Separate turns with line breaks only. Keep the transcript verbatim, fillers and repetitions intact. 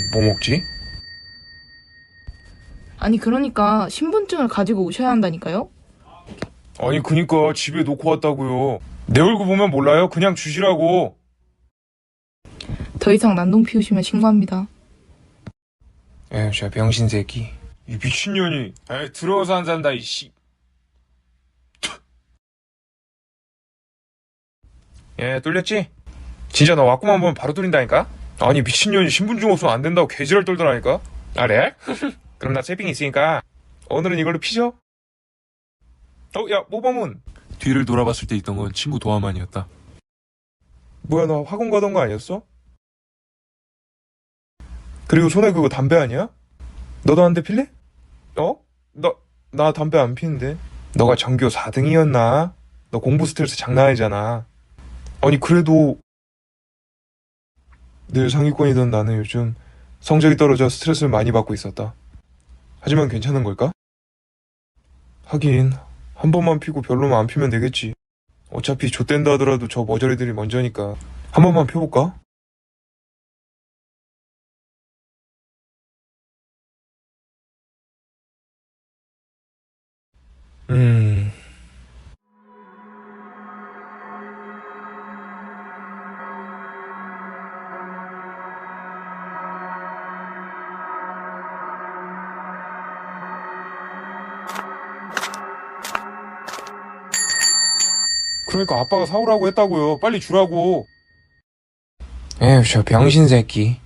뭐 먹지?
아니 그러니까 신분증을 가지고 오셔야 한다니까요?
아니 그니까 집에 놓고 왔다고요. 내 얼굴 보면 몰라요? 그냥 주시라고.
더 이상 난동 피우시면 신고합니다.
에휴 저 병신 새끼. 이 미친년이. 에이 들어와서 안 산다 이씨. 예 뚫렸지? 진짜 나 왔구만 보면 바로 뚫린다니까? 아니 미친년이 신분증 없으면 안 된다고 개지랄 떨더라니까? 아 레알? 그럼 나 세핑 있으니까 오늘은 이걸로 피죠? 어 야 모범은
뒤를 돌아봤을 때 있던 건 친구 도화만이었다.
뭐야 나 학원 가던 거 아니었어? 그리고 손에 그거 담배 아니야? 너도 한 대 필래? 어? 나, 나 담배 안 피는데. 너가 전교 사 등이었나? 너 공부 스트레스 장난 아니잖아. 아니 그래도 늘 상위권이던 나는 요즘 성적이 떨어져 스트레스를 많이 받고 있었다. 하지만 괜찮은 걸까? 하긴 한 번만 피고 별로면 안 피면 되겠지. 어차피 좆된다 하더라도 저 머저리들이 먼저니까 한 번만 펴볼까? 음... 그러니까 아빠가 사오라고 했다고요. 빨리 주라고. 에휴 저 병신 새끼.